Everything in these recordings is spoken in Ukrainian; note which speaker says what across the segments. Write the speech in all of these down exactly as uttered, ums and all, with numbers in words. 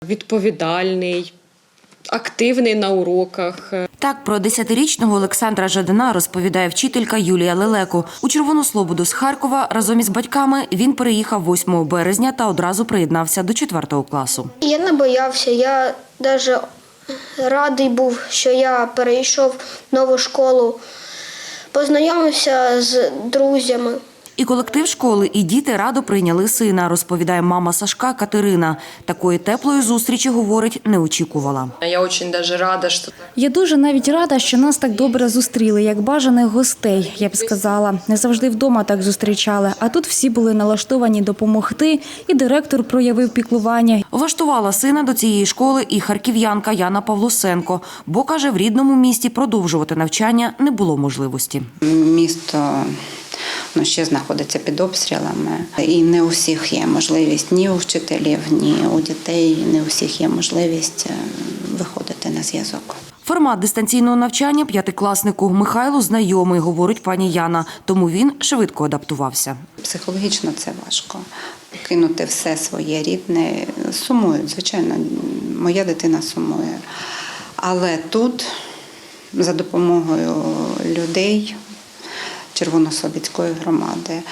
Speaker 1: Відповідальний, активний на уроках.
Speaker 2: Так про десятирічного Олександра Жадана розповідає вчителька Юлія Лелеко. У Червону Слободу з Харкова разом із батьками він переїхав восьмого березня та одразу приєднався до четвертого класу.
Speaker 3: Я не боявся, я навіть радий був, що я перейшов в нову школу, познайомився з друзями.
Speaker 2: І колектив школи, і діти радо прийняли сина, розповідає мама Сашка Катерина. Такої теплої зустрічі, говорить, не очікувала.
Speaker 1: Я дуже навіть рада, що...
Speaker 4: Я дуже навіть рада, що нас так добре зустріли, як бажаних гостей, я б сказала. Не завжди вдома так зустрічали, а тут всі були налаштовані допомогти, і директор проявив піклування.
Speaker 2: Влаштувала сина до цієї школи і харків'янка Яна Павлусенко, бо, каже, в рідному місті продовжувати навчання не було можливості.
Speaker 5: Місто ну, ще знаходиться під обстрілами. І не у всіх є можливість, ні у вчителів, ні у дітей, не у всіх є можливість виходити на зв'язок.
Speaker 2: Формат дистанційного навчання п'ятикласнику Михайлу знайомий, говорить пані Яна, тому він швидко адаптувався.
Speaker 5: Психологічно це важко. Кинути все своє рідне, сумують, звичайно, моя дитина сумує. Але тут за допомогою людей Червонослобідської громади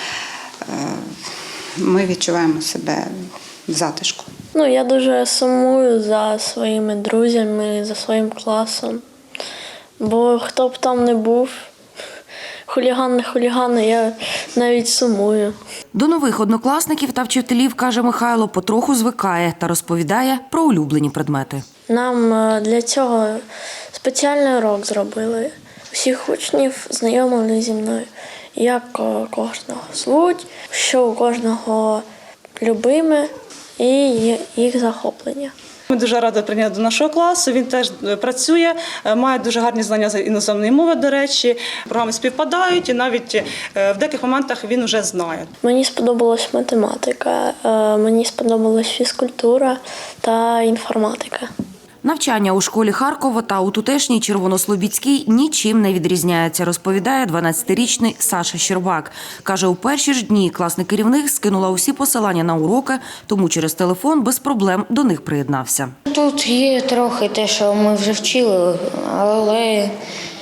Speaker 5: ми відчуваємо себе в затишку.
Speaker 6: Ну, я дуже сумую за своїми друзями, за своїм класом. Бо хто б там не був, хуліган не хуліган, я навіть сумую.
Speaker 2: До нових однокласників та вчителів, каже Михайло, потроху звикає та розповідає про улюблені предмети.
Speaker 6: Нам для цього спеціальний урок зробили. Всіх учнів знайомили зі мною, як кожного звуть, що у кожного любиме і їх захоплення.
Speaker 7: Ми дуже раді прийняти до нашого класу, він теж працює, має дуже гарні знання з іноземної мови, до речі, програми співпадають і навіть в деяких моментах він вже знає.
Speaker 6: Мені сподобалась математика, мені сподобалась фізкультура та інформатика.
Speaker 2: Навчання у школі Харкова та у тутешній Червонослобідській нічим не відрізняється, розповідає дванадцятирічний Саша Щербак. Каже, у перші ж дні класний керівник скинула усі посилання на уроки, тому через телефон без проблем до них приєднався.
Speaker 8: Тут є трохи те, що ми вже вчили, але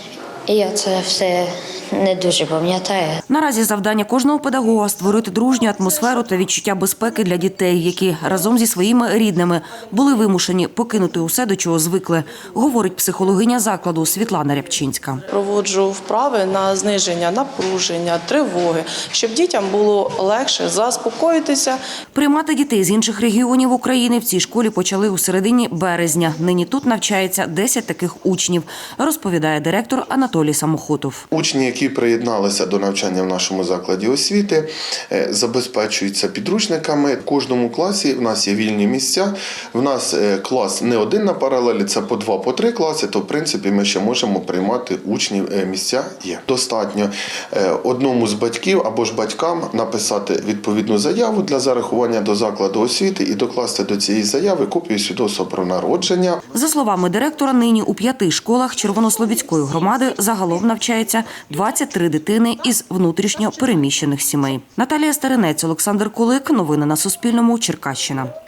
Speaker 8: я це все не дуже пам'ятаю.
Speaker 2: Наразі завдання кожного педагога – створити дружню атмосферу та відчуття безпеки для дітей, які разом зі своїми рідними були вимушені покинути усе, до чого звикли, говорить психологиня закладу Світлана Рябчинська.
Speaker 9: Проводжу вправи на зниження напруження, тривоги, щоб дітям було легше заспокоїтися.
Speaker 2: Приймати дітей з інших регіонів України в цій школі почали у середині березня. Нині тут навчається десять таких учнів, розповідає директор Анатолій Самохотов.
Speaker 10: Учні, які приєдналися до навчання в нашому закладі освіти, забезпечуються підручниками. В кожному класі в нас є вільні місця. В нас клас не один на паралелі, це по два, по три класи, то в принципі ми ще можемо приймати учнів, місця є. Достатньо одному з батьків або ж батькам написати відповідну заяву для зарахування до закладу освіти і докласти до цієї заяви копію свідоцтва про народження.
Speaker 2: За словами директора, нині у п'яти школах Червонослобідської громади загалом навчається двадцять три дитини із внутрішньо переміщених сімей. Наталія Старинець, Олександр Кулик. Новини на Суспільному. Черкащина.